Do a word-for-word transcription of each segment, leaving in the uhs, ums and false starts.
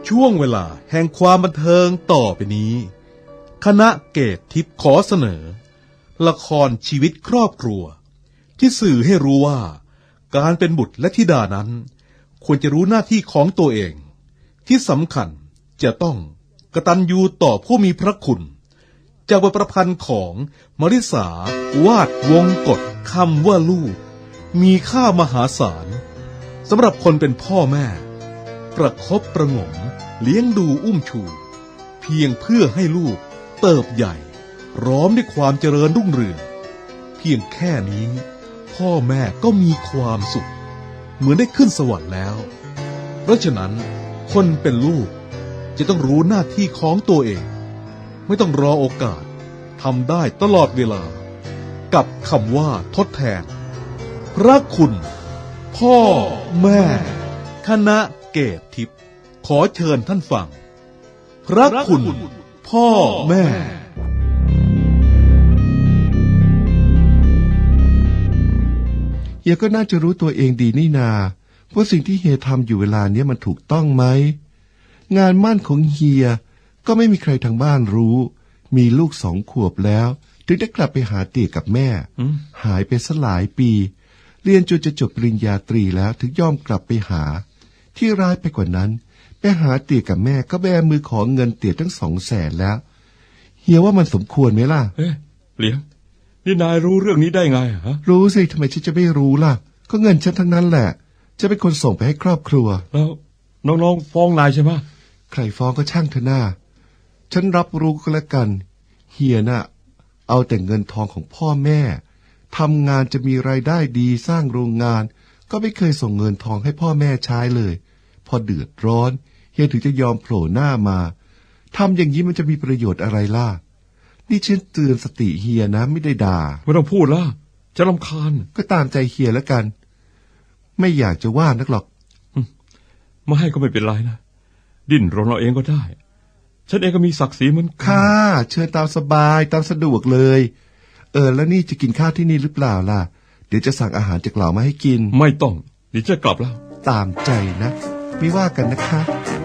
ช่วงเวลาแห่งความบันเทิงต่อไปนี้คณะเกตทิพย์ขอเสนอละครชีวิตครอบครัวที่สื่อให้รู้ว่าการเป็นบุตรและธิดานั้นควรจะรู้หน้าที่ของตัวเองที่สำคัญจะต้องกตัญญูต่อผู้มีพระคุณจากบทประพันธ์ของมริษาวาดวงกฎคำว่าลูกมีค่ามหาศาลสำหรับคนเป็นพ่อแม่ประคบประหงมเลี้ยงดูอุ้มชูเพียงเพื่อให้ลูกเติบใหญ่ร้อมด้วยความเจริญรุ่งเรืองเพียงแค่นี้พ่อแม่ก็มีความสุขเหมือนได้ขึ้นสวรรค์แล้วเพราะฉะนั้นคนเป็นลูกจะต้องรู้หน้าที่ของตัวเองไม่ต้องรอโอกาสทำได้ตลอดเวลากับคำว่าทดแทนพระคุณพ่อแม่คณะเกตทิพย์ขอเชิญท่านฟังพระคุณพ่อแม่เฮียก็น่าจะรู้ตัวเองดีนี่นาว่าสิ่งที่เฮียทำอยู่เวลาเนี้ยมันถูกต้องไหมงานมั่นของเฮียก็ไม่มีใครทางบ้านรู้มีลูกสองขวบแล้วถึงได้กลับไปหาเตี่ยกับแม่หายไปซะหลายปีเรียนจนจะจบปริญญาตรีแล้วถึงยอมกลับไปหาที่ร้ายไปกว่านั้นไปหาเตี่ยกับแม่ก็แบมือขอเงินเตี่ยทั้งสองแสนแล้วเฮียว่ามันสมควรไหมล่ะเอ๊ะเหลียงนี่นายรู้เรื่องนี้ได้ไงฮะรู้สิทำไมฉันจะไม่รู้ล่ะก็เงินฉันทั้งนั้นแหละจะเป็นคนส่งไปให้ครอบครัวแล้วน้องๆฟ้องนายใช่ไหมใครฟ้องก็ช่างเถอะหน้าฉันรับรู้ก็แล้วกันเฮียน่ะเอาแต่เงินทองของพ่อแม่ทำงานจะมีรายได้ดีสร้างโรงงานก็ไม่เคยส่งเงินทองให้พ่อแม่ใช้เลยพอเดือดร้อนเฮียถึงจะยอมโผล่หน้ามาทำอย่างนี้มันจะมีประโยชน์อะไรล่ะนี่ฉันเตือนสติเฮียนะไม่ได้ด่าไม่ต้องพูดละจะรำคาญก็ตามใจเฮียแล้วกันไม่อยากจะว่านักหรอกไม่ให้ก็ไม่เป็นไรนะดิ้นรนเราเองก็ได้ฉันเองก็มีศักดิ์ศรีเหมือนกันค่ะเชิญตามสบายตามสะดวกเลยเออแล้วนี่จะกินข้าวที่นี่หรือเปล่าล่ะเดี๋ยวจะสั่งอาหารจากเหล่ามาให้กินไม่ต้องเดี๋ยวจะกลับแล้วตามใจนะไม่ว่ากันนะคะ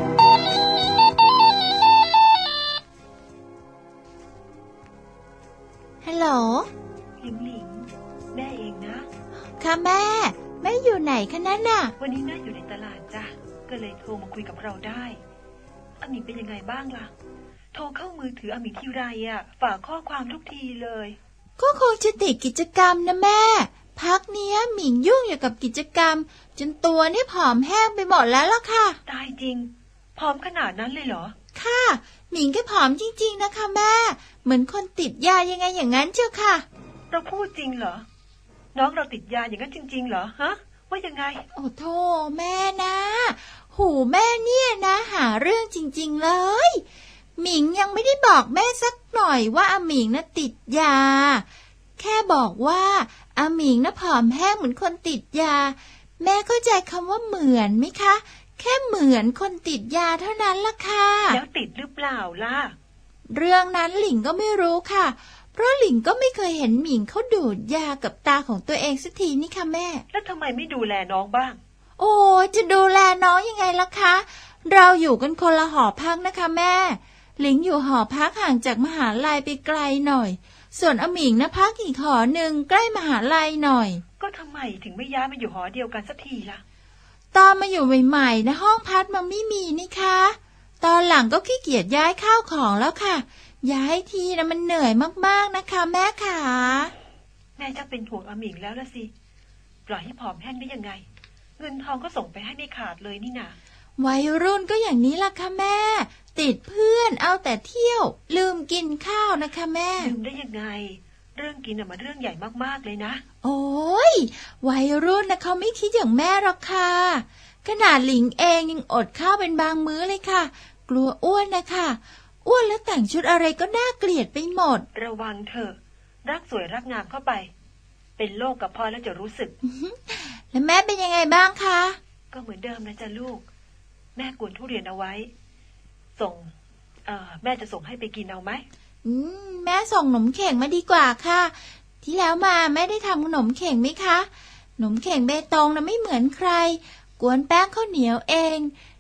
ฮัลโหลหลิงหลิงแม่เองนะค่ะแม่แม่อยู่ไหนคะนั่นน่ะวันนี้แม่อยู่ในตลาดจ้ะก็เลยโทรมาคุยกับเราได้อาหมิงเป็นยังไงบ้างล่ะโทรเข้ามือถืออาหมิงทีไรอ่ะฝากข้อความทุกทีเลยก็คงจะติดกิจกรรมนะแม่พักเนี้ยหมิงยุ่งอยู่กับกิจกรรมจนตัวนี่ผอมแห้งไปหมดแล้วล่ะค่ะตายจริงผอมขนาดนั้นเลยเหรอค่ะหมิงก็ผอมจริงๆนะคะแม่เหมือนคนติดยายังไงอย่างนั้นเจ้าค่ะเราพูดจริงเหรอน้องเราติดยาอย่างนั้นจริงๆเหรอฮะว่ายังไงโอ้โธ่แม่นะหูแม่เนี่ยนะหาเรื่องจริงๆเลยหมิงยังไม่ได้บอกแม่สักหน่อยว่าอาหมิงน่ะติดยาแค่บอกว่าอาหมิงน่ะผอมแห้งเหมือนคนติดยาแม่เข้าใจคำว่าเหมือนไหมคะแค่เหมือนคนติดยาเท่านั้นล่ะค่ะแล้วติดหรือเปล่าล่ะเรื่องนั้นหลิงก็ไม่รู้ค่ะเพราะหลิงก็ไม่เคยเห็นหมิงเขาดูดยากับตาของตัวเองสักทีนี่ค่ะแม่แล้วทำไมไม่ดูแลน้องบ้างโอ้จะดูแลน้องยังไงล่ะคะเราอยู่กันคนละหอพักนะคะแม่หลิงอยู่หอพักห่างจากมหาลัยไปไกลหน่อยส่วนอาหมิงนะพักอีกหอหนึ่งใกล้มหาลัยหน่อยก็ทำไมถึงไม่ย้ายมาอยู่หอเดียวกันสักทีล่ะตอนมาอยู่ใหม่ๆนะห้องพักมันไม่มีนี่คะตอนหลังก็ขี้เกียจย้ายข้าวของแล้วค่ะย้ายทีนะมันเหนื่อยมากๆนะคะแม่ขาแม่จะเป็นห่วงอาหมิงแล้วละสิปล่อยให้ผอมแห้งได้ยังไงเงินทองก็ส่งไปให้ไม่ขาดเลยนี่นาวัยรุ่นก็อย่างนี้ล่ะค่ะแม่ติดเพื่อนเอาแต่เที่ยวลืมกินข้าวนะคะแม่ลืมได้ยังไงเรื่องกินน่ะมันเรื่องใหญ่มากๆเลยนะโอ้ยวัยรุ่นนะเขาไม่คิดอย่างแม่หรอกค่ะขนาดหลิงเองยังอดข้าวเป็นบางมื้อเลยค่ะกลัวอ้วนนะคะอ้วนแล้วแต่งชุดอะไรก็น่าเกลียดไปหมดระวังเถอะรักสวยรักงามเข้าไปเป็นโรคกับพ่อแล้วจะรู้สึกแล้วแม่เป็นยังไงบ้างคะก็เหมือนเดิมนะจ๊ะลูกแม่กวนทุเรียนเอาไว้ส่งเอ่อแม่จะส่งให้ไปกินเอาไหมอืมแม่ส่งขนมเข่งมาดีกว่าค่ะที่แล้วมาแม่ได้ทำขนมเข่งไหมคะขนมเข่งเบตงนะไม่เหมือนใครกวนแป้งข้าวเหนียวเอง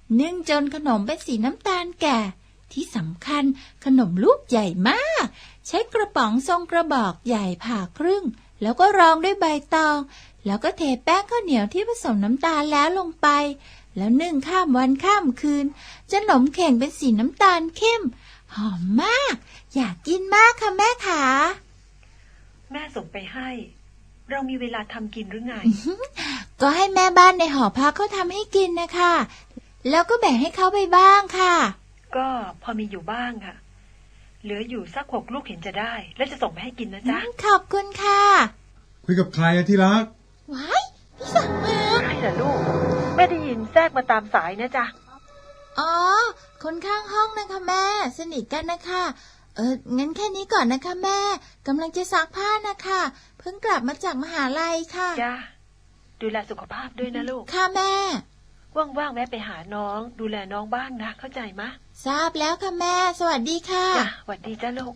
นึ่งจนขนมเป็นสีน้ำตาลแก่ ที่สำคัญขนมลูกใหญ่มาก ใช้กระป๋องทรงกระบอกใหญ่ผ่าครึ่งแล้วก็รองด้วยใบตองแล้วก็เทแป้งข้าวเหนียวที่ผสมน้ำตาลแล้วลงไปแล้วนึ่งข้ามวันข้ามคืนจนขนมเข่งเป็นสีน้ำตาลเข้มหอมมากอยากกินมากค่ะแม่ขาแม่ส่งไปให้ เรามีเวลาทำกินหรือไงก็ให้แม่บ้านในหอพักเขาทำให้กินนะคะแล้วก็แบ่งให้เขาไปบ้างค่ะก็พอมีอยู่บ้างค่ะ เหลืออยู่สักหกลูกเห็นจะได้ แล้วจะส่งไปให้กินนะจ๊ะขอบคุณค่ะคุยกับใครอะที่รักว้ายพี่สั่งมาใครล่ะลูกแม่ได้ยินแทรกมาตามสายนะจ๊ะอ๋อคนข้างห้องนะคะแม่สนิทกันนะคะเอองั้นแค่นี้ก่อนนะคะแม่กำลังจะซักผ้านะคะเพิ่งกลับมาจากมหาลัยค่ะจ้าดูแลสุขภาพด้วยนะลูกค่ะแม่ว่างๆแวะไปหาน้องดูแลน้องบ้างนะเข้าใจมะทราบแล้วค่ะแม่สวัสดีค่ะจ้ะสวัสดีจ้าลูก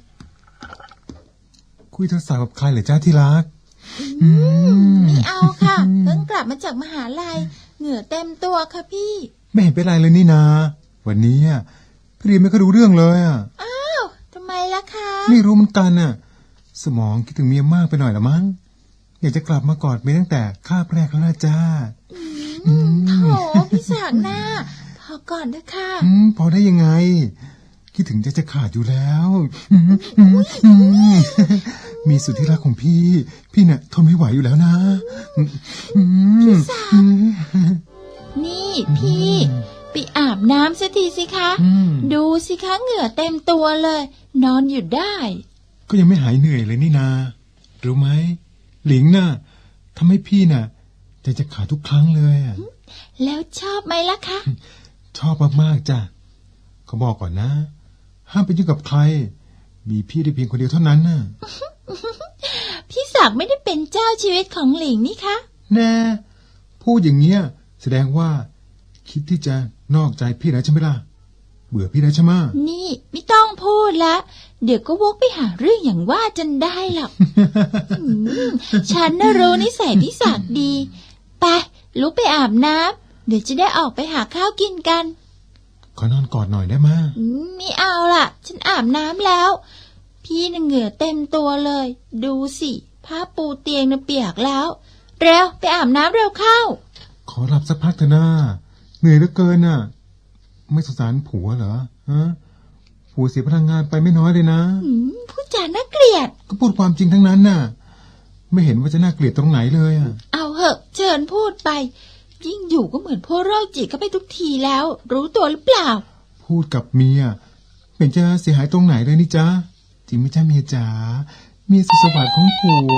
คุยโทรศัพท์กับใครเหรอจ้าที่รักไม่เอาค่ะ เพิ่งกลับมาจากมหาลัยเหงื่อเต็มตัวค่ะพี่ไม่เห็นเป็นไรเลยนี่นา วันนี้อ่ะพี่เรียนไม่ก็รู้เรื่องเลยอ่ะอ้าวทำไมล่ะคะไม่รู้เหมือนกันอ่ะ สมองคิดถึงเมียมากไปหน่อยละมั้งอยากจะกลับมากอดเมียตั้งแต่คาบแรกแล้วนะจ้าอืมโถพี่สากหน้าพอก่อนเถอะค่ะอืมพอได้ยังไง คิดถึงจะจะขาดอยู่แล้วอืมอืมอืมมีสุดที่รักของพี่ พี่เนี่ยทนไม่ไหวอยู่แล้วนะอืมอืมอืมนี่พี่ไปอาบน้ำสักทีสิคะอืมดูสิคะเหงื่อเต็มตัวเลย นอนอยู่ได้ก็ยังไม่หายเหนื่อยเลยนี่นา รู้ไหมหลิงน่ะทำให้พี่น่ะใจจะขาดทุกครั้งเลยอ่ะแล้วชอบไหมล่ะคะชอบมากๆจ้ะเขาบอกก่อนนะ ห้ามไปยุ่งกับใคร มีพี่ได้เพียงคนเดียวเท่านั้นน่ะพี่ศักดิ์ไม่ได้เป็นเจ้าชีวิตของหลิงนี่คะแน่พูดอย่างเงี้ยแสดงว่าคิดที่จะนอกใจพี่แล้วใช่ไหมล่ะ เบื่อพี่แล้วใช่ไหมะนี่ไม่ต้องพูดละเดี๋ยวก็วกไปหาเรื่องอย่างว่าจนได้หรอก อืมฉันน่ะรู้นิสัยพี่ศักดิ์ดีไปลุกไปอาบน้ำเดี๋ยวจะได้ออกไปหาข้าวกินกันขอนอนกอดหน่อยได้ไหมะอืมไม่เอาล่ะ ฉันอาบน้ำแล้ว พี่น่ะเหงื่อเต็มตัวเลย ดูสิผ้าปูเตียงน่ะเปียกแล้ว เร็วไปอาบน้ำเร็วเข้าขอหลับสักพักเถอะนะเหนื่อยเหลือเกินน่ะ ไม่สงสารผัวเหรอฮะผัวเสียพลังงานไปไม่น้อยเลยนะอืมผู้จาน่าเกลียดก็พูดความจริงทั้งนั้นน่ะ ไม่เห็นว่าจะน่าเกลียดตรงไหนเลยอ่ะเอาเหอะเชิญพูดไป ยิ่งอยู่ก็เหมือนพวกโรคจิตเข้าไปทุกทีแล้ว รู้ตัวหรือเปล่าพูดกับเมียเป็นจะเสียหายตรงไหนเลยนี่จ๊ะจริงไหมจ๊ะเมียจ๋าเมียสุดสวัสดิ์ของผัว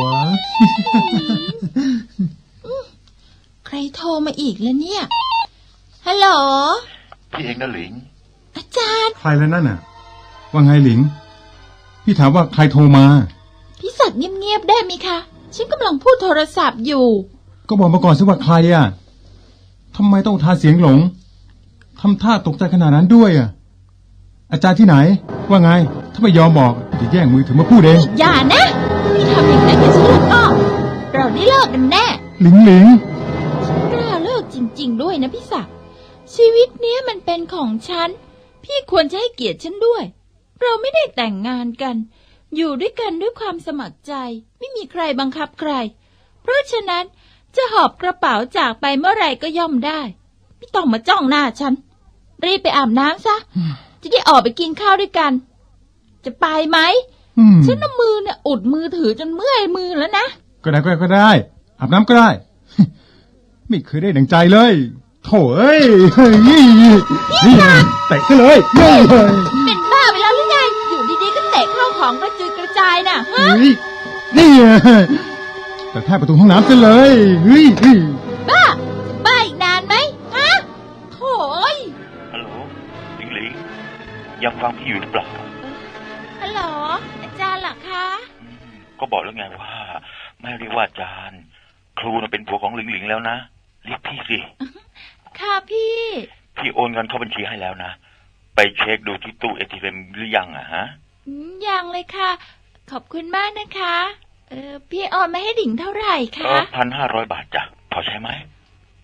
ใครโทรมาอีกแล้วเนี่ย ฮัลโหลพี่เองนะหลิงอาจารย์ใครแล้วนั่นน่ะ ว่าไงหลิง พี่ถามว่าใครโทรมาพี่ศักดิ์เงียบๆได้ไหมคะ ฉันกำลังพูดโทรศัพท์อยู่ก็บอกมาก่อนสิว่าใครอ่ะทำไมต้องทาเสียงหลงทำท่าตกใจขนาดนั้นด้วยอ่ะ อาจารย์ที่ไหน ว่าไง ถ้าไม่ยอมบอกจะแย่งมือถือมาพูดเองอย่านะพี่ทำอย่างนั้นกับฉันแล้วก็ เราได้เลิกกันแน่หลิงหลิงฉันกล้าเลิกจริงๆด้วยนะพี่ศักดิ์ชีวิตเนี้ยมันเป็นของฉัน พี่ควรจะให้เกียรติฉันด้วย เราไม่ได้แต่งงานกัน อยู่ด้วยกันด้วยความสมัครใจ ไม่มีใครบังคับใคร เพราะฉะนั้นจะหอบกระเป๋าจากไปเมื่อไหร่ก็ย่อมได้ ไม่ต้องมาจ้องหน้าฉัน รีบไปอาบน้ำซะ จะได้ออกไปกินข้าวด้วยกัน จะไปไหมอืมฉันเอามือเนี่ยอุดมือถือจนเมื่อยมือแล้วนะก็ได้ก็ได้ก็ได้ อาบน้ำก็ได้ ไม่เคยได้ดังใจเลยโถ่เอ้ยเฮ้ยนี่เตะซะเลยเฮ้ยเป็นบ้าไปแล้วหรือไง อยู่ดีๆก็เตะเข้าของกระจุยกระจายน่ะฮะเฮ้ยนี่แต่แทบประตูห้องน้ำซะเลยเฮ้ยเฮ้ยบ้าจะบ้าอีกนานไหมฮะโถ่เอ้ยฮัลโหลหลิงหลิงยังฟังพี่อยู่หรือเปล่าฮัลโหลอาจารย์เหรอคะอืมก็บอกแล้วไงว่าไม่เรียกว่าอาจารย์ ครูน่ะเป็นผัวของหลิงหลิงแล้วนะเรียกพี่สิค่ะพี่พี่โอนเงินเข้าบัญชีให้แล้วนะไปเช็คดูที่ตู้เอทีเอ็มหรือยังอะฮะอืมยังเลยค่ะ ขอบคุณมากนะคะ เออพี่ออนมาให้ดิ่งเท่าไหร่เอคะอพันห้าร้อยบาทจ้ะพอใช้ไหม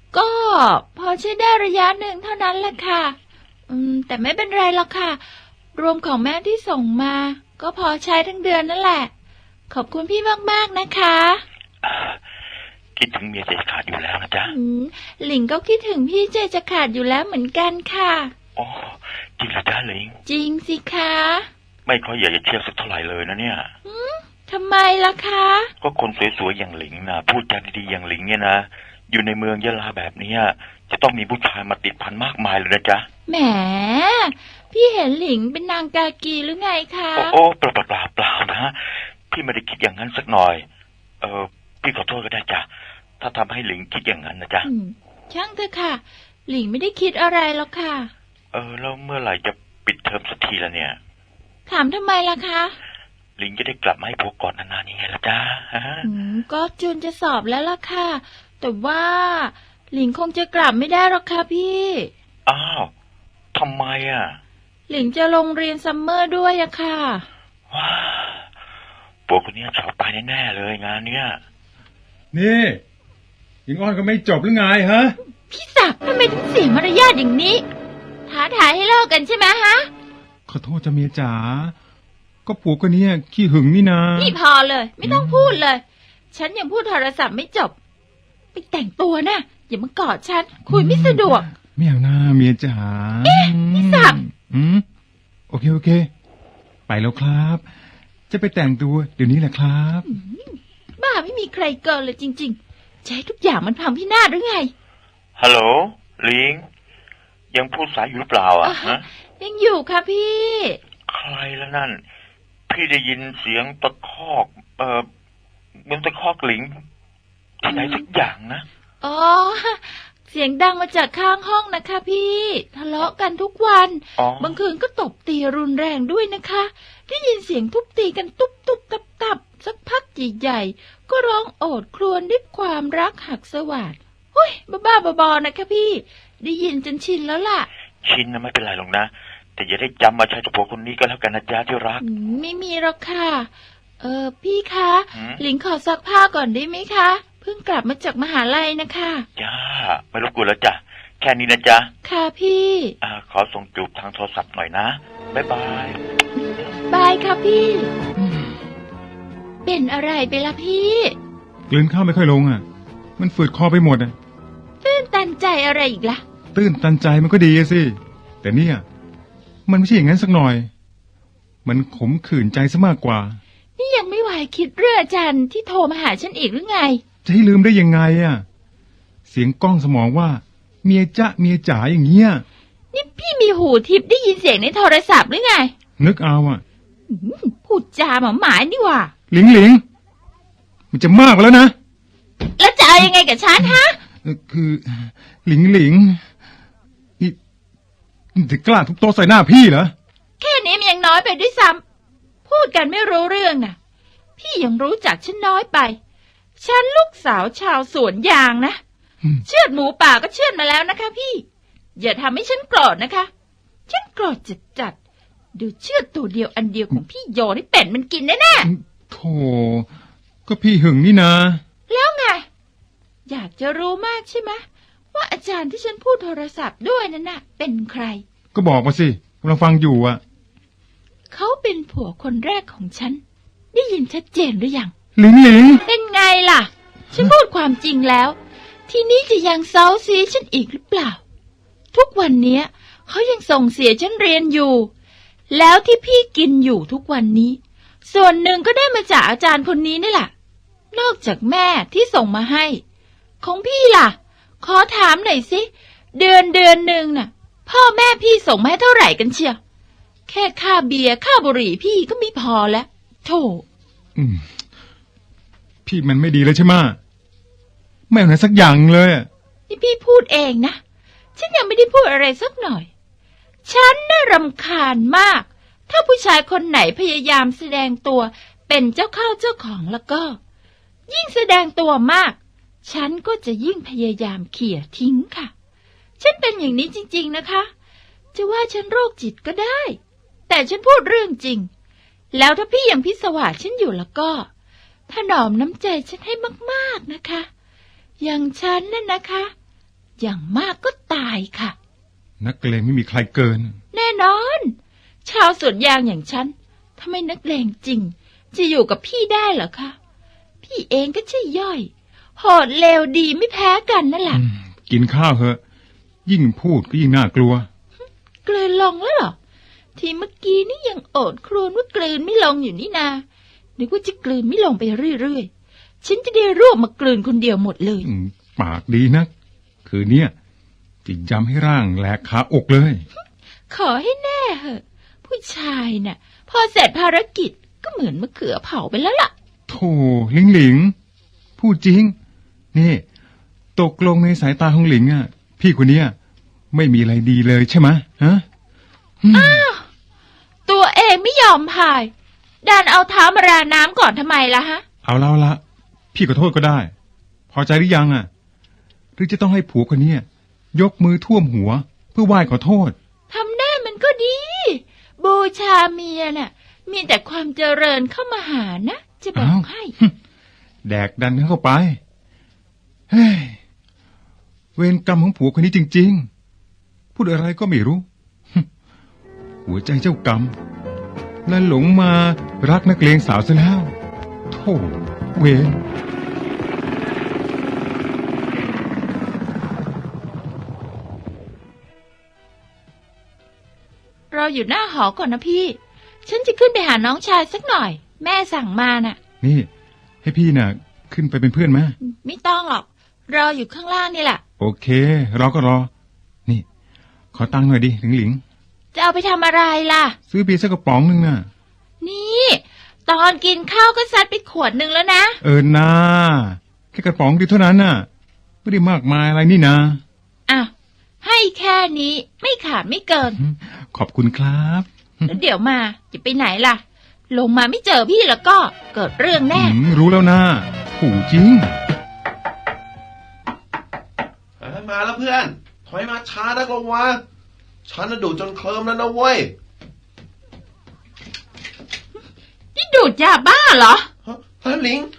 ก็พอใช้ได้ระยะหนึ่งเท่านั้นแหละค่ะ อืม แต่ไม่เป็นไรหรอกค่ะ รวมของแม่ที่ส่งมา ก็พอใช้ทั้งเดือนนั่นแหละ ขอบคุณพี่มากๆนะคะอ่าคิดถึงเมียใจขาดอยู่แล้วนะจ๊ะอืม หลิงก็คิดถึงพี่ใจจะขาดอยู่แล้วเหมือนกันค่ะโอ้จริงเหรอจ๊ะหลิงจริงสิคะไม่ค่อยอยากจะเชื่อสักเท่าไหร่เลยนะเนี่ยทำไมล่ะคะก็คนสวยๆอย่างหลิงนะพูดจาดีๆอย่างหลิงเนี่ยนะอยู่ในเมืองยะลาแบบเนี้ยจะต้องมีผู้ชายมาติดพันมากมายเลยนะจ๊ะแหม พี่เห็นหลิงเป็นนางกากีหรือไงคะโอ้โอ้เปล่าเปล่าเปล่าเปล่านะพี่ไม่ได้คิดอย่างนั้นสักหน่อย เออพี่ขอโทษก็ได้จ้ะถ้าทำให้หลิงคิดอย่างนั้นนะจ๊ะอืม ช่างเถอะค่ะ หลิงไม่ได้คิดอะไรหรอกค่ะเออแล้วเมื่อไหร่จะปิดเทอมสักทีละเนี่ยถามทำไมล่ะคะหลิงจะได้กลับมาให้พวกก่อนนานๆยังไงล่ะจ๊ะฮะอืม ก็จูนจะสอบแล้วล่ะค่ะ แต่ว่าหลิงคงจะกลับไม่ได้หรอกค่ะพี่อ้าวทำไมอ่ะหลิงจะลงเรียนซัมเมอร์ด้วยอะค่ะว้าพวกคนนี้สอบตายแน่ๆเลยงานเนี้ยนี่หญิงอ้อนก็ไม่จบหรือไงฮะพี่ศักดิ์ทำไมถึงเสียมารยาทอย่างนี้ ท้าทายให้เลิกกันใช่ไหมฮะขอโทษจ้ะเมียจ๋า ก็ผัวคนนี้ขี้หึงนี่นานี่พอเลย ไม่ต้องพูดเลย ฉันยังพูดโทรศัพท์ไม่จบ ไปแต่งตัวนะอย่ามากอดฉัน คุยไม่สะดวกไม่เอาหน้าเมียจ๋าเอ๊ะพี่ศักดิ์อืมโอเคโอเค ไปแล้วครับ จะไปแต่งตัวเดี๋ยวนี้แหละครับบ้าไม่มีใครเกินเลยจริงๆจะให้ทุกอย่างมันพังพินาศหรือไงฮัลโหลหลิงยังพูดสายอยู่หรือเปล่าอ่ะอ่าฮะฮะยังอยู่ค่ะพี่ใครแล้วนั่น พี่ได้ยินเสียงตะคอก เออเหมือนตะคอกหลิงที่ไหนสักอย่างนะอ๋อ เสียงดังมาจากข้างห้องนะคะพี่ทะเลาะกันทุกวันอ๋อบางคืนก็ตบตีรุนแรงด้วยนะคะ ได้ยินเสียงทุบตีกันตุบตุบตับตับสักพักใหญ่ๆก็ร้องโอดครวญด้วยความรักหักสวาทเฮ้ยบ้าๆบอๆนะคะพี่ ได้ยินจนชินแล้วล่ะชินนะไม่เป็นไรหรอกนะ แต่อย่าได้จำมาใช้กับผัวคนนี้ก็แล้วกันนะจ๊ะที่รักอืมไม่มีหรอกค่ะ เออพี่คะหืมหลิงขอซักผ้าก่อนได้ไหมคะเพิ่งกลับมาจากมหาลัยนะคะจ้าไม่รบกวนแล้วจ้ะแค่นี้นะจ๊ะค่ะพี่อ่าขอส่งจูบทางโทรศัพท์หน่อยนะบ๊ายบายบายค่ะพี่ เป็นอะไรไปล่ะพี่กลืนข้าวไม่ค่อยลงอ่ะ มันฝืดคอไปหมดอ่ะตื้นตันใจอะไรอีกล่ะตื้นตันใจมันก็ดีอะสิ แต่เนี่ย มันไม่ใช่อย่างนั้นสักหน่อย มันขมขื่นใจซะมากกว่านี่ยังไม่ไหวคิดเรื่องอาจารย์ที่โทรมาหาฉันอีกหรือไงจะให้ลืมได้ยังไงอ่ะ เสียงก้องสมองว่า เมียจ๊ะเมียจ๋าอย่างเงี้ยนี่พี่มีหูทิพย์ได้ยินเสียงในโทรศัพท์หรือไงนึกเอาอ่ะอืมพูดจาหมาหมายนี่หว่าหลิงหลิง มันจะมากไปแล้วนะแล้วจะเอายังไงกับฉันฮะเอ่อคือหลิงหลิงนี่นี่จะกล้าทุบโต๊ะใส่หน้าพี่เหรอแค่นี้มันยังน้อยไปด้วยซ้ำพูดกันไม่รู้เรื่องนะพี่ยังรู้จักฉันน้อยไป ฉันลูกสาวชาวสวนยางนะอืมเชือดหมูป่าก็เชือดมาแล้วนะคะพี่ อย่าทำให้ฉันโกรธนะคะ ฉันโกรธจัดจัดๆดูเชือดตัวเดียวอันเดียวของพี่โยนี่เป็ดมันกินแน่ๆโธ่ก็พี่หึงนี่นาแล้วไง อยากจะรู้มากใช่ไหมว่าอาจารย์ที่ฉันพูดโทรศัพท์ด้วยนั่นน่ะ เป็นใครก็บอกมาสิกำลังฟังอยู่อ่ะเขาเป็นผัวคนแรกของฉัน ได้ยินชัดเจนหรือยังหลิงหลิงเป็นไงล่ะ ฉันพูดความจริงแล้ว ทีนี้จะยังเซาซีฉันอีกหรือเปล่า ทุกวันเนี้ยเขายังส่งเสียฉันเรียนอยู่ แล้วที่พี่กินอยู่ทุกวันนี้ ส่วนหนึ่งก็ได้มาจากอาจารย์คนนี้นี่แหละนอกจากแม่ที่ส่งมาให้ ของพี่ล่ะ ขอถามหน่อยสิเดือนเดือนหนึ่งน่ะ พ่อแม่พี่ส่งมาให้เท่าไหร่กันเชียวแค่ค่าเบียร์ค่าบุหรี่พี่ก็ไม่พอแล้วโธ่อืมพี่มันไม่ดีเลยใช่ไหมะไม่เอาไหนสักอย่างเลยอะนี่พี่พูดเองนะ ฉันยังไม่ได้พูดอะไรสักหน่อย ฉันน่ารำคาญมาก ถ้าผู้ชายคนไหนพยายามแสดงตัวเป็นเจ้าเข้าเจ้าของแล้วก็ ยิ่งแสดงตัวมาก ฉันก็จะยิ่งพยายามเขี่ยทิ้งค่ะ ฉันเป็นอย่างนี้จริงๆนะคะ จะว่าฉันโรคจิตก็ได้ แต่ฉันพูดเรื่องจริง แล้วถ้าพี่ยังพิศวาสฉันอยู่แล้วก็ถนอมน้ำใจฉันให้มากๆนะคะ อย่างฉันนั่นนะคะอย่างมากก็ตายค่ะนักเลงไม่มีใครเกินแน่นอน ชาวสวนยางอย่างฉันถ้าไม่นักเลงจริงจะอยู่กับพี่ได้เหรอคะพี่เองก็ใช่ย่อยโหดเลวดีไม่แพ้กันนั่นแหละกินข้าวเหอะ ยิ่งพูดก็ยิ่งน่ากลัวกลืนลงแล้วเหรอทีเมื่อกี้นี่ยังโอดครวญว่ากลืนไม่ลงอยู่นี่นานึกว่าจะกลืนไม่ลงไปเรื่อยๆฉันจะได้รวบมากลืนคนเดียวหมดเลยอืมปากดีนัก คืนเนี้ยจะยำให้ร่างแหลกขาอกเลยขอให้แน่เหอะผู้ชายน่ะพอเสร็จภารกิจก็เหมือนมะเขือเผาไปแล้วล่ะโธ่หลิงหลิง พูดจริง นี่ ตกลงในสายตาของหลิงอ่ะ พี่คนเนี้ยไม่มีอะไรดีเลยใช่ไหมฮะอืมตัวเองไม่ยอมพายดันเอาเท้ามาราน้ำก่อนทำไมล่ะฮะเอาแล้วละ พี่ขอโทษก็ได้ พอใจหรือยังอ่ะ หรือจะต้องให้ผัวคนเนี้ยยกมือท่วมหัว เพื่อไหว้ขอโทษทำได้มันก็ดี บูชาเมียน่ะมีแต่ความเจริญเข้ามาหานะจะบอกอ้าวให้แดกดันเข้าไป เฮ้ย เวรกรรมของผัวคนนี้จริงๆ พูดอะไรก็ไม่รู้ หัวใจเจ้ากรรมนั่นหลงมารักนักเลงสาวซะแล้ว โธ่เวรเราอยู่หน้าหอก่อนนะพี่ ฉันจะขึ้นไปหาน้องชายสักหน่อย แม่สั่งมาน่ะนี่ ให้พี่น่ะ ขึ้นไปเป็นเพื่อนไหมไม่ต้องหรอกรออยู่ข้างล่างนี่แหละโอเค เราก็รอ นี่ ขอตังค์หน่อยดิหลิงหลิงจะเอาไปทำอะไรล่ะซื้อเบียร์สักกระป๋องหนึ่งน่ะนี่ ตอนกินข้าวก็ซัดไปขวดหนึ่งแล้วนะเออนาแค่กระป๋องเดียวเท่านั้นน่ะ ไม่ได้มากมายอะไรนี่นะอ่ะให้แค่นี้ไม่ขาดไม่เกินขอบคุณครับแล้วเดี๋ยวมาจะไปไหนล่ะ ลงมาไม่เจอพี่แล้วก็เกิดเรื่องแน่อืมรู้แล้วนะผูจริงเอ้ยมาแล้วเพื่อน ถอยมาช้านักลงวะฉันน่ะดูดจนเคลิ้มแล้วนะเว้ยนี่ดูดยาบ้าเหรอฮะฮะลิง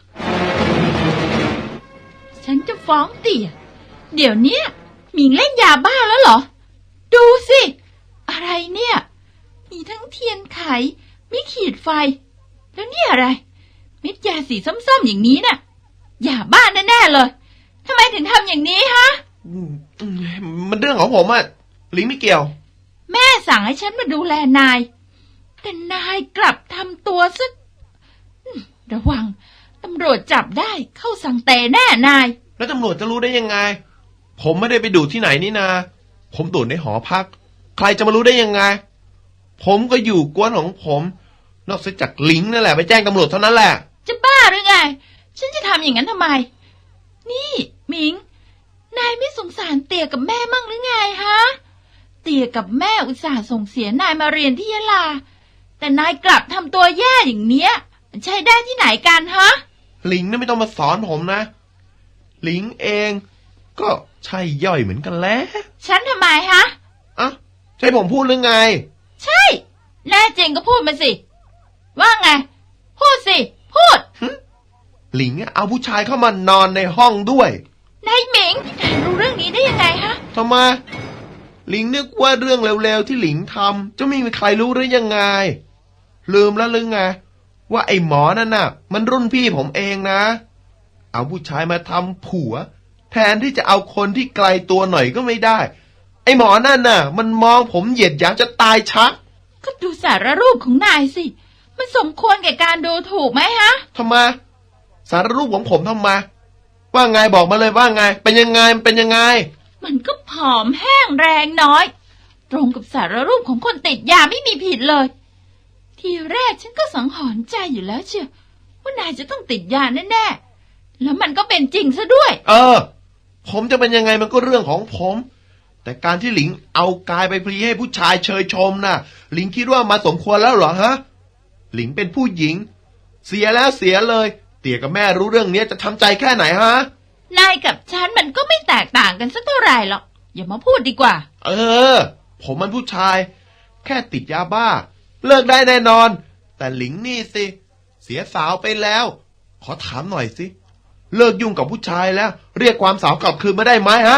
ฉันจะฟ้องเตี่ยเดี๋ยวเนี้ยหมิงเล่นยาบ้าแล้วเหรอ ดูสิ อะไรเนี่ย มีทั้งเทียนไขมีขีดไฟ แล้วนี่อะไร เม็ดยาสีส้มๆอย่างนี้น่ะยาบ้าแน่ๆเลยทำไมถึงทำอย่างนี้ฮะอืมอืมมันเรื่องของผมอะลิงไม่เกี่ยวแม่สั่งให้ฉันมาดูแลนาย แต่นายกลับทำตัวซะอืมระวังตำรวจจับได้เข้าสังเตแน่นายแล้วตำรวจจะรู้ได้ยังไง ผมไม่ได้ไปดูดที่ไหนนี่นา ผมดูดในหอพัก ใครจะมารู้ได้ยังไง ผมก็อยู่กวนของผม นอกจากลิงนั่นแหละไปแจ้งตำรวจเท่านั้นแหละจะบ้าหรือไง ฉันจะทำอย่างนั้นทำไม นี่หมิง นายไม่สงสารเตี่ยกับแม่มั่งหรือไงฮะ เตี่ยกับแม่อุตส่าห์ส่งเสียนายมาเรียนที่ยะลา แต่นายกลับทำตัวแย่อย่างเนี้ยมันใช้ได้ที่ไหนกันฮะลิงนั่นไม่ต้องมาสอนผมนะ ลิงเอง ก็ใช่ย่อยเหมือนกันแหล้วฉันทำไมฮะอ่ะใช่ผมพูดหรือไงใช่ แน่จริงก็พูดมาสิ ว่าไง พูดสิ พูดหลิงเอาผู้ชายเข้ามานอนในห้องด้วยนายหมิงนายรู้เรื่องนี้ได้ยังไงฮะทำไมหลิงนึกว่าเรื่องเร็วๆที่หลิงทำจะไม่มีใครรู้หรือยังไง ลืมแล้วหรือไงว่าไอ้หมอนั่นน่ะ มันรุ่นพี่ผมเองนะ เอาผู้ชายมาทำผัว แทนที่จะเอาคนที่ไกลตัวหน่อยก็ไม่ได้ ไอ้หมอนั่นน่ะ มันมองผมเหยียดหยามจะตายชักก็ดูสารรูปของนายสิ มันสมควรแก่การดูถูกไหมฮะทำไมสารรูปของผมทำไมว่าไงบอกมาเลยว่าไง เป็นยังไงมันเป็นยังไงมันก็ผอมแห้งแรงน้อย ตรงกับสารรูปของคนติดยาไม่มีผิดเลย ทีแรกฉันก็สังหรณ์ใจอยู่แล้วเชียวว่านายจะต้องติดยาแน่ๆ แล้วมันก็เป็นจริงซะด้วยเออ ผมจะเป็นยังไงมันก็เรื่องของผม แต่การที่หลิงเอากายไปพลีให้ผู้ชายเชยชมน่ะ หลิงคิดว่ามาสมควรแล้วเหรอฮะ หลิงเป็นผู้หญิง เสียแล้วเสียเลย เตี่ยกับแม่รู้เรื่องนี้จะทำใจแค่ไหนฮะนายกับฉันมันก็ไม่แตกต่างกันสักเท่าไหร่หรอก อย่ามาพูดดีกว่าเออ ผมมันผู้ชาย แค่ติดยาบ้า เลิกได้แน่นอน แต่หลิงนี่สิ เสียสาวไปแล้ว ขอถามหน่อยสิ เลิกยุ่งกับผู้ชายแล้ว เรียกความสาวกลับคืนมาได้ไหมฮะ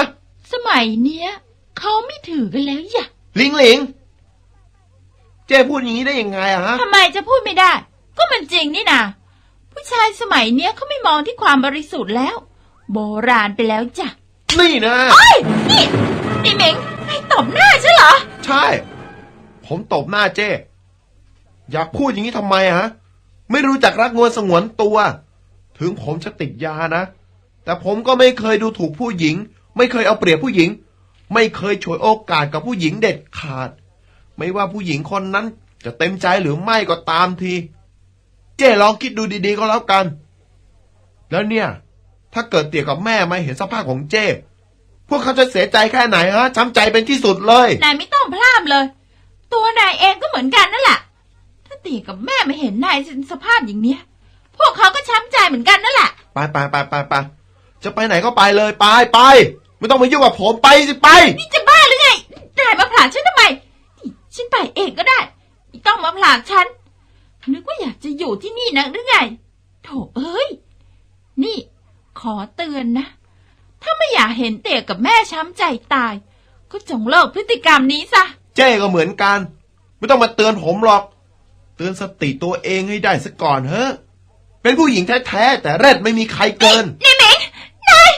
สมัยเนี้ยเขาไม่ถือกันแล้วอย่าหลิงหลิงเจ้พูดอย่างนี้ได้ยังไงอะฮะทำไมจะพูดไม่ได้ ก็มันจริงนี่นาผู้ชายสมัยเนี้ยเขาไม่มองที่ความบริสุทธิ์แล้ว โบราณไปแล้วจ้ะนี่นะเอ้ยนี่นี่เหม็งให้ตบหน้าใช่เหรอใช่ ผมตบหน้าเจ้อยากพูดอย่างนี้ทำไมอะฮะไม่รู้จักรักงวนสงวนตัว ถึงผมจะติดยานะแต่ผมก็ไม่เคยดูถูกผู้หญิงไม่เคยเอาเปรียบผู้หญิงไม่เคยฉวยโอกาสกับผู้หญิงเด็ดขาดไม่ว่าผู้หญิงคนนั้นจะเต็มใจหรือไม่ก็ตามทีเจ้ลองคิดดูดีๆก็แล้วกันแล้วเนี่ยถ้าเกิดเตี่ยกับแม่มาเห็นสภาพของเจ้พวกเขาจะเสียใจแค่ไหนฮะช้ำใจเป็นที่สุดเลยนายไม่ต้องพลาดเลย ตัวนายเองก็เหมือนกันนั่นแหละถ้าตีกับแม่ไม่เห็นนายสภาพอย่างเนี้ยพวกเขาก็ช้ำใจเหมือนกันนั่นแหละไปไปไปไปไปจะไปไหนก็ไปเลยไปไปไม่ต้องมายุ่งกับผมไปสิไปนี่จะบ้าหรือไงนายมาผลักฉันทำไมฉันไปเองก็ได้ไม่ต้องมาผลักฉันนึกว่าอยากจะอยู่ที่นี่นักหรือไงโถเอ้ยนี่ขอเตือนนะถ้าไม่อยากเห็นเตี่ยกับแม่ช้ำใจตายก็จงเลิกพฤติกรรมนี้ซะเจ้ก็เหมือนกันไม่ต้องมาเตือนผมหรอกเตือนสติตัวเองให้ได้ซะก่อนเฮ้เป็นผู้หญิงแท้ๆแต่แรดไม่มีใครเกินนี่เหม็งนาย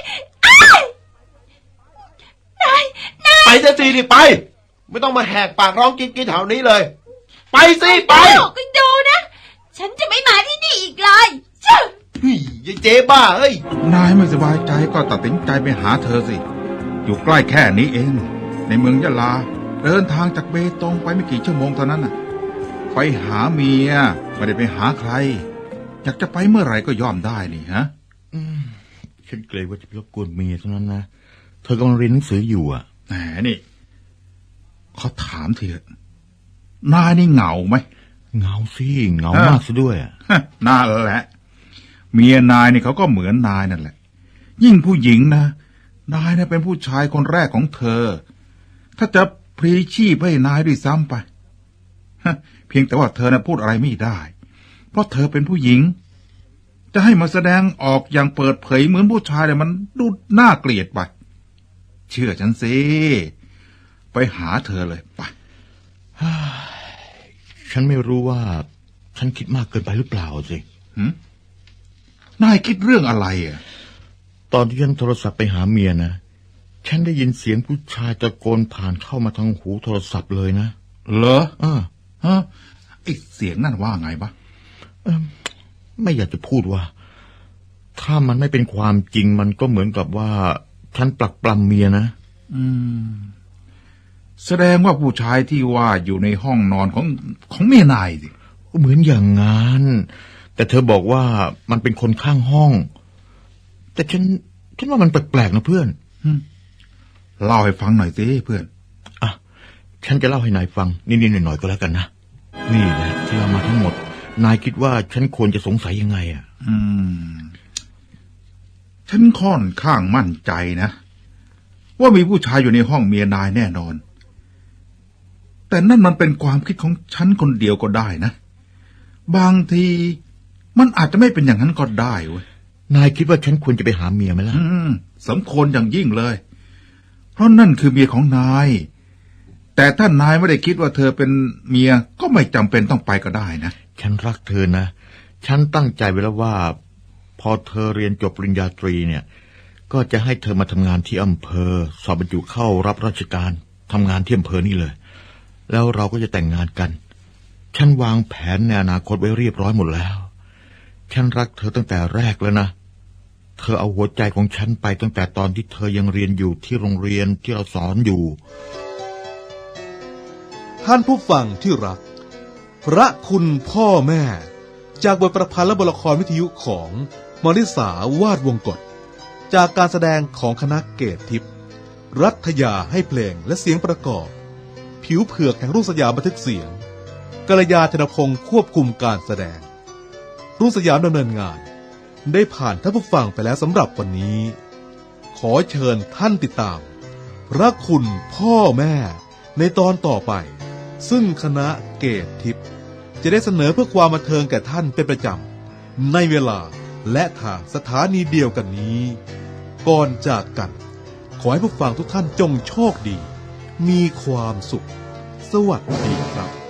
นายนายไปซะสิดิไปไม่ต้องมาแหกปากร้องกิ๊กกิ๊กแถวนี้เลยไปสิไปก็ดูนะฉันจะไม่มาที่นี่อีกเลยจ้ะเฮ้ยยายเจ๊บ้าเอ้ยนายไม่สบายใจก็ตัดสินใจไปหาเธอสิอยู่ใกล้แค่นี้เองในเมืองยะลาเดินทางจากเบตงไปไม่กี่ชั่วโมงเท่านั้นน่ะไปหาเมียไม่ได้ไปหาใครอยากจะไปเมื่อไหร่ก็ย่อมได้นี่ฮะฉันเกรงว่าจะไปรบกวนเมียเท่านั้นนะเธอกำลังเรียนหนังสืออยู่อ่ะแหมนี่เขาถามเถอะนายนี่เหงาไหมเหงาสิเหงามากซะด้วยอ่ะน่าแหละเมียนายนี่เขาก็เหมือนนายนั่นแหละยิ่งผู้หญิงนะนายเนี่ยเป็นผู้ชายคนแรกของเธอถ้าจะพลีชีพให้นายด้วยซ้ำไปเพียงแต่ว่าเธอน่ะพูดอะไรไม่ได้เพราะเธอเป็นผู้หญิงจะให้มาแสดงออกอย่างเปิดเผยเหมือนผู้ชายเนี่ยมันดูน่าเกลียดไปเชื่อฉันสิไปหาเธอเลยไปฉันไม่รู้ว่าฉันคิดมากเกินไปหรือเปล่าสินายคิดเรื่องอะไรอ่ะตอนที่ฉันโทรศัพท์ไปหาเมียนะฉันได้ยินเสียงผู้ชายตะโกนผ่านเข้ามาทางหูโทรศัพท์เลยนะเหรออ่าฮะไอเสียงนั่นว่าไงบ้างไม่อยากจะพูดว่าถ้ามันไม่เป็นความจริงมันก็เหมือนกับว่าฉันปลักปล้ำเมียนะอืมแสดงว่าผู้ชายที่ว่าอยู่ในห้องนอนของของเมียนายสิเหมือนอย่างงั้นแต่เธอบอกว่ามันเป็นคนข้างห้องแต่ฉันฉันว่ามันแปลกๆนะเพื่อนเล่าให้ฟังหน่อยสิเพื่อนอ่ะฉันจะเล่าให้นายฟังนิดๆหน่อยๆก็แล้วกันนะนี่แหละที่เรามาทั้งหมดนายคิดว่าฉันควรจะสงสัยยังไงอ่ะอืมฉันค่อนข้างมั่นใจนะว่ามีผู้ชายอยู่ในห้องเมียนายแน่นอนแต่นั่นมันเป็นความคิดของฉันคนเดียวก็ได้นะบางทีมันอาจจะไม่เป็นอย่างนั้นก็ได้เว้ยนายคิดว่าฉันควรจะไปหาเมียไหมล่ะสมควรอย่างยิ่งเลยเพราะนั่นคือเมียของนายแต่ถ้านายไม่ได้คิดว่าเธอเป็นเมียก็ไม่จำเป็นต้องไปก็ได้นะฉันรักเธอนะฉันตั้งใจไว้แล้วว่าพอเธอเรียนจบปริญญาตรีเนี่ยก็จะให้เธอมาทำงานที่อำเภอสอบบรรจุเข้ารับราชการทำงานที่อำเภอนี่เลยแล้วเราก็จะแต่งงานกันฉันวางแผนในอนาคตไว้เรียบร้อยหมดแล้วฉันรักเธอตั้งแต่แรกแล้วนะเธอเอาหัวใจของฉันไปตั้งแต่ตอนที่เธอยังเรียนอยู่ที่โรงเรียนที่เราสอนอยู่ท่านผู้ฟังที่รักพระคุณพ่อแม่จากบทประพันธ์และบทละครวิทยุของมริสาวาดวงกฎจากการแสดงของคณะเกตทิพย์รัฐยาให้เพลงและเสียงประกอบผิวเผือกแห่งรุ่งสยามบันทึกเสียงกัลยาธนพงศ์ควบคุมการแสดงรุ่งสยามดำเนินงานได้ผ่านท่านผู้ฟังไปแล้วสำหรับวันนี้ขอเชิญท่านติดตามพระคุณพ่อแม่ในตอนต่อไปซึ่งคณะเกตทิพย์จะได้เสนอเพื่อความบันเทิงแก่ท่านเป็นประจำในเวลาและทางสถานีเดียวกันนี้ก่อนจากกันขอให้ผู้ฟังทุกท่านจงโชคดี มีความสุข สวัสดีครับ